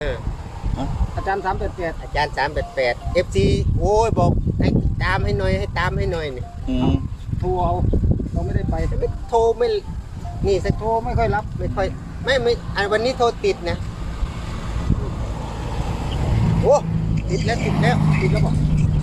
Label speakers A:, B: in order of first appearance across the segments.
A: อาจารย์388
B: อาจารย์388 FC โอ้ยบอกให้ตามให้หน่อยให้ตามให้หน่อยนี่
A: โทรเอาเราไม่ได้ไป
B: ไม่โทรไม่นี่สัก
A: โทรไม่ค่อยรับ
B: ไม่ค่อยไม่อันวันนี้โทรติดนะโอ้ติดแล้ว
A: ติดแล้วบอก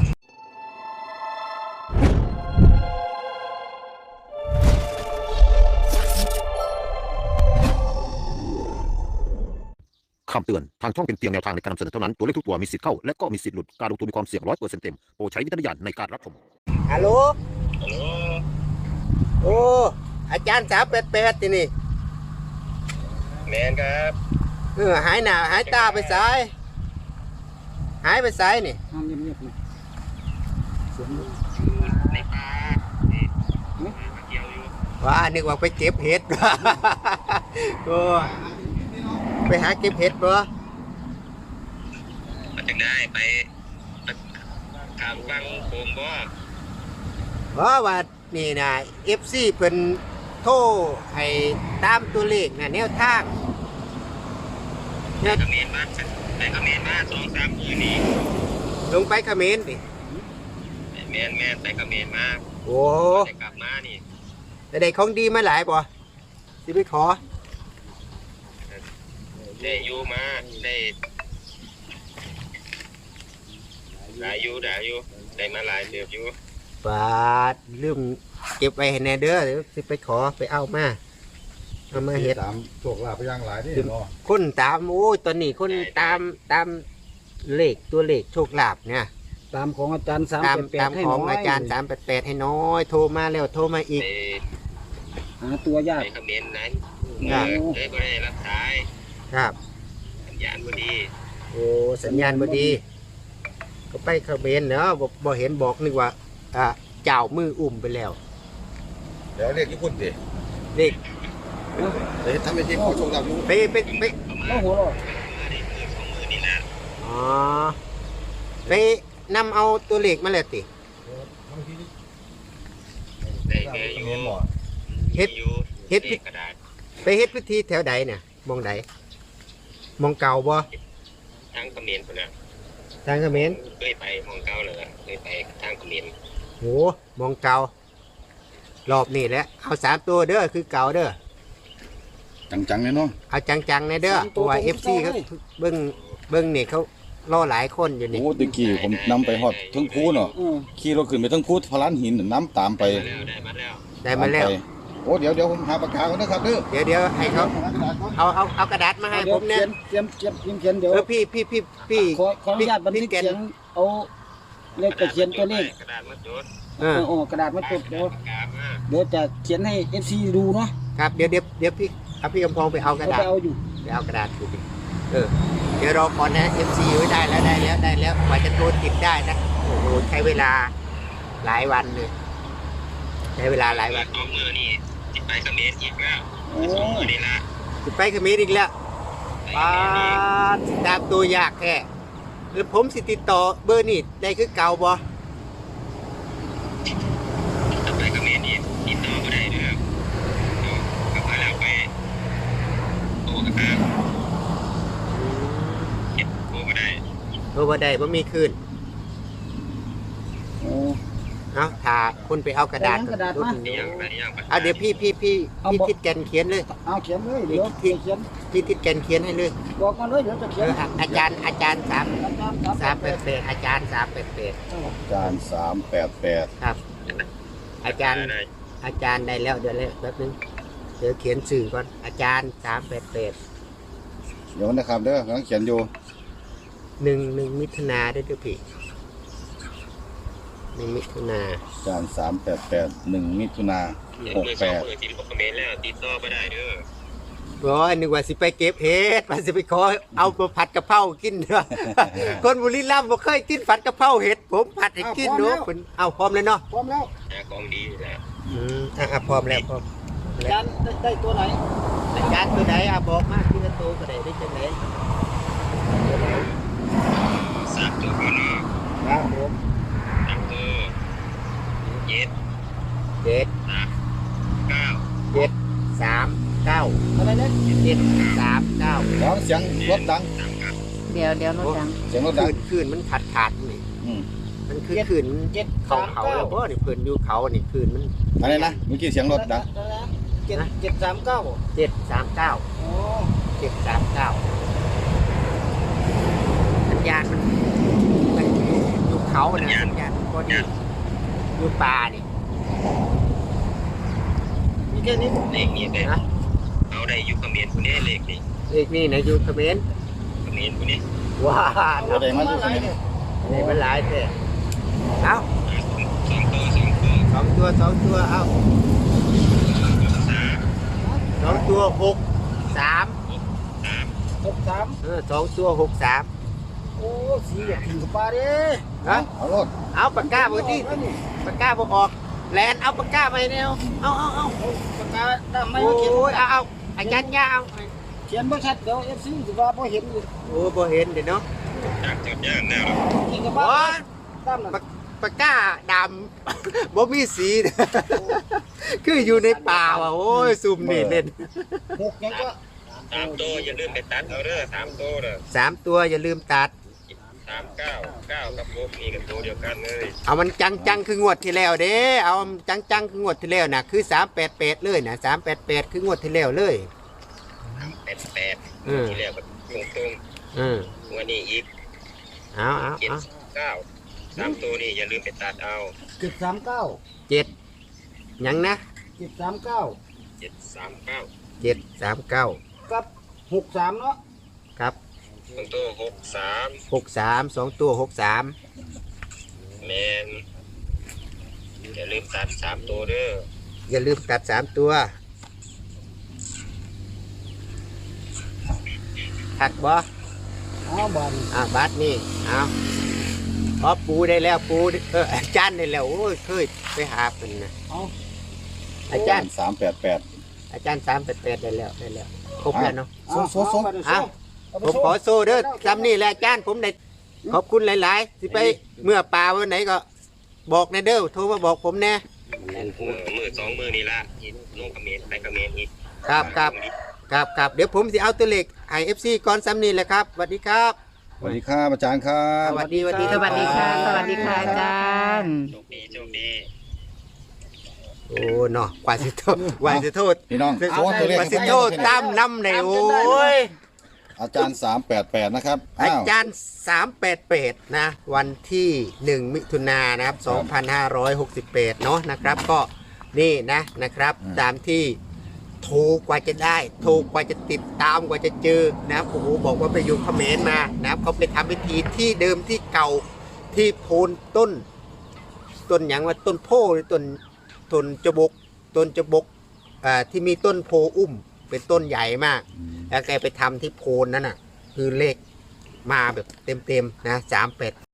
C: คำเตือนทางช่องเป็นเพียงแนวทางในการนำเสนอเท่านั้นตัวเลขทุกตัวมีสิทธิ์เข้าและก็มีสิทธิ์หลุดการลงทุนมีความเสี่ยง100%เต็มโปรดใช้วิจารณญาณในการรับชม
B: ฮัลโหลโอ้อาจารย์388ที่นี่
D: แมนครับ
B: หายหน้าหายตาไปสายหายไปสายนี่
A: ห้องเงียบๆนะเสียง
D: ในป่ามาเกี่ยวอยู่
B: ว่านึกว่าไปเก็บเห็ดโอ้ไปหาเก็บเห็ดบ่
D: มาจังได้ไปทางฟังโคมบ่
B: เพราะว่านี่นะ FC เพิ่นโทรให้ตามตัวเลขนะแนวทาง
D: ไปเขมรมา2-3 มื้อนี้
B: ลงไปเขมรดิ
D: แมนไปเขมรมา
B: โอ้
D: จะกลับมานี่
B: แต่ได้ของดีมาหลายบ่สิไปขอ
D: ได้อยู่มาได้หลายอยู่ได้มาหลายเดือบอยู่
B: บาดลืมเก็บไว้ให้แน่เด้อเดี๋ยวสิไปขอไปเอามาเฮ็ด
E: ตามโชคลาภไปย่างหลายนี่เนาะ
B: คนตามโอ้ยตอนนี้คนตามเลขตัวเลขโชคลาภเนี่ย
A: ตามของอาจารย์
B: ตามของอาจารย์388ให้น้อยโทรมาแล้วโทรมาอีก
A: หาตัวยาก
D: ไปเขมรนั้นเลยบ่ได้รับสาย
B: ครับ
D: สัญญาณบ่ดี
B: โอ้สัญญาณบ่ดีก็ไปเขมรเนาะบ่เห็นบอกนึกว่าเจ้ามืออุ้มไปแล้ว
E: เดี๋ยวเรียกญี่ปุ่นดิ
B: เด็ก
E: เดี๋ยวทำเป็นทีมขอโชคลาภ
B: ไป
A: แล้วหัวเราะ
B: อ๋อไปนำเอาตัวเลขมาแล้วติเฮ็ด
D: กระดาษ
B: ไปเฮ็ดพิธีแถวใดเนี่ยมองใดมองเก่าบ่
D: ทางเขมรพุ่นน่ะ
B: ทางเขมร
D: เคยไปมองเก่าเลยเคยไปทางเขมร
B: โหมองเก่ารอบนี้แหละเอา3ตัวเด้อคือเก่าเด้อ
E: จังๆเลยเนาะ
B: เอาจังๆเลยเด้อเพราะว่า FC เขาเบิ่งนี่เขารอหลายคนอยู่นี่
E: โอ้ตะกี้ผมนำไปฮอดทั้งภูเนาะขี่รถขึ้นไปทั้งภูพลานหินน้ำตามไป
B: ได้มาแล้ว
E: โอ้เดี๋ยวผมหาปากกาก่อนนะครับเ
B: ดี๋ยวให้เขาเอากระดาษมาให้ผมเนี่ย
A: เตรียมเขียนเดี๋ยว
B: พี่
A: ขออนุญาตบันทึกเสียงเอาเลขเขียนตัวเลข
D: กระดาษมาจด
A: กระดาษมาจดเดี๋ยวจะเขียนให้ FC ดูเนาะ
B: ครับเดี๋ยวพี่พี่กำพองไปเอากระดาษ
A: ไป
B: เอากระดาษดูดิเดี๋ยวรอก่อนนะ FC ไว้ได้แล้วกว่าจะโทรติดได้นะโอ้โหใช้เวลาหลายวันเลยใช้เวลาหลายวัน
D: 2 มื้อนี่สิไปเขมรอีกแล้วมื้อนี้ล่ะ
B: สิไปเขมรอีกแล้วป้าตามตัวยากแท้แล้วผมสิติดต่อเบอร์นี่ได้คือเก่าบ่
D: ไปเขมรนี่ติดต่อบ่ได้เด้อก็มาแล้วไปโทรกันครับโทรบ่
B: ได้บ่มีคืนเอาถ้าคุณไปเอากระดาษ
A: มา
B: เดี๋ยวพี่ทิดแกนเขียนเลย
A: เอาเขียนเลยเดี๋ยวเขียน
B: พี่ทิดแกนเขียนให้เลย
A: บอกมาเลยเดี๋ยวจะเขียน
B: อาจารย์388อาจารย์
E: 388
B: ครับอาจารย์ได้แล้วเดี๋ยวแป๊บนึงเดี๋ยวเขียนสื่อก่อนอาจารย์388
E: เดี๋ยวนะครับเด้อกำลังเขียนอยู่
B: 1 มิถุนาด้วยพี่1 มิถุนา
E: อาจารย์388 1 มิถุนา68
D: ทีมเขมรแล้วติดต่อบ่ได้เด้อ
B: นึกว่าสิไปเก็บเห็ดว่าสิไปขอเอาผัดกะเพรากินเด้อคนบุรีรัมย์บ่เคยกินผัดกะเพราเห็ดผมผัดให้กินเนาะเอาพร้อมเลยเนาะ
A: พร้อมแล้ว
D: ของดีแล้ว
B: พร้อมแล้ว
A: อาจารย์ได้ตัวไหน
B: อาจารย์ตัวไหนบอกมาทีละตัวก็ได้จังได๋
D: 3 ตัวก่อน
B: ครับผม
D: 3 ตัว7
B: 3 9
A: อะไรเนี่ย
B: 7 3 9
E: ร้องเสียงรถดัง
F: เดี๋ยวรถดัง
E: เสียงรถดัง
B: คืนมันขาดนี่
E: อืม
B: มันคือคืน เขาแล้วเพราะนี่เพิ่นอยู่เขานี่คืนมัน
E: อะไรนะเมื่อกี้เสียงรถดัง
A: 739
B: 739
A: โอ้
B: 739สัญญาณมันอยู่เขานะสัญญาณพอดีอยู่ป่านี่
A: มีแค่นี้
D: เลขนี้ได้
B: นะ
D: เอาได้อยู่เขมรผู้นี้เลขนี้
B: เลขนี่นะอยู่เขมร
D: เขมรผู้นี้
B: ว้า
E: แสดงว่าอยู่ที่นี่
B: นี่มันหลายแท้เอา
D: สองตัว
B: สองตัวเอา
D: สาม
B: สองตัว6 3
A: 63
B: สองตัว6 3
A: โอ้สีอยากกินกับปลาเด้
B: ฮะ
E: เอารถ
B: เอาปากกาเบอร์ดิปากกาบออกแลนเอาปากกาไปแนวเอา
A: ปากกาดำไม่
B: โอ้
A: มาเขียน
B: ยเอาอาจารย์ยาเอา
A: เขียนบ่ชัดเดี๋ยว FC สิว่าบ่เห็นอยู่
B: โอ้บ่เห็นเดี๋ยวเนาะ
D: จากจดย่างแล้ว
A: กินกับปลา
B: โอ้ย
A: ตามนั่น
B: ปากกาดำ บ่มีสี คืออยู่ในป่าว่ะโอ้ยซุ่มนี่เล่น
A: 6ยังก็
D: สามตัวอย่าลืมไปตัดเอาเด้อสามตัวเด้อ
B: 3ตัวอย่าลืมตัด
D: 399กับ6นี่กันตัวเดียวกันเลย
B: เอามันจังคืองวดที่แล้วเด้เอาจังคืองวดที่แล้วน่ะคือ388เลยนะ388คืองวดที่แล้วเลย
D: 388
B: อืม
D: ที่แล้วก็ตรง
B: อืม
D: ๆวันนี้อีก
B: เอา
D: 79 3ตัวนี่อย่าลืมไปตัดเอา
A: 739
B: 7หยังนะ
A: 739
D: 739
B: 739
A: กับ63เนาะ
B: ครับ
D: ตรงตัว63
B: 63 2ตัว63
D: แมนอย่าลืมตัด3ตัวเด้อ
B: อย่าลืมตัด3ตัวหักบ่
A: เอาบัน
B: บัตรนี่เอาพอปูได้แล้วปูอาจารย์ได้แล้วโอ้ยเคยไปหาเป็นนะ
A: เอา
B: อาจารย์
E: 388
B: อาจารย์388ได้แล้วครบแล้วเนาะ
E: โซ่
B: ผมขอโซ่เด้อจำนี่แหละอาจารย์ผมได้ขอบคุณหลายๆสิไปเมื่อป่าวันไหนก็บอกในเด้อโทรมาบอกผมแน่
D: มือ2 มือนี่ละอีกลงเขมรไปเขมรอีก
B: ครับเดี๋ยวผมจะเอาตัวเลขไอเอฟซีก่อนซ้ำนี่แหละครับสวัสดีครับ
E: สวัสดีครับอาจารย์ครับ
B: สวัสดี
F: สวัสดีค่ะ สวัสดีค่ะอาจารย์
D: โชคดี
B: โอ้เนาะกว่าสิโทษ
E: พี่น้องโซ่ตัวเลข
B: กว่าสิโทษตามน้ำในโอ้ย
E: อาจารย์388นะครับ
B: อาจารย์388นะวันที่ 1 มิถุนายนนะครับ2568เนาะนะครับก็นี่นะครับตามที่โทรกว่าจะได้โทรกว่าจะติดตามกว่าจะเจอนะครับโอ้โหบอกว่าไปอยู่เขมรมานะครับเขาไปทำพิธีที่เดิมที่เก่าที่โพนต้นอย่างว่าต้นโพหรือต้นจบกที่มีต้นโพอุ้มเป็นต้นใหญ่มากแล้วแกไปทำที่โพนนั้นน่ะคือเลขมาแบบเต็มๆนะ38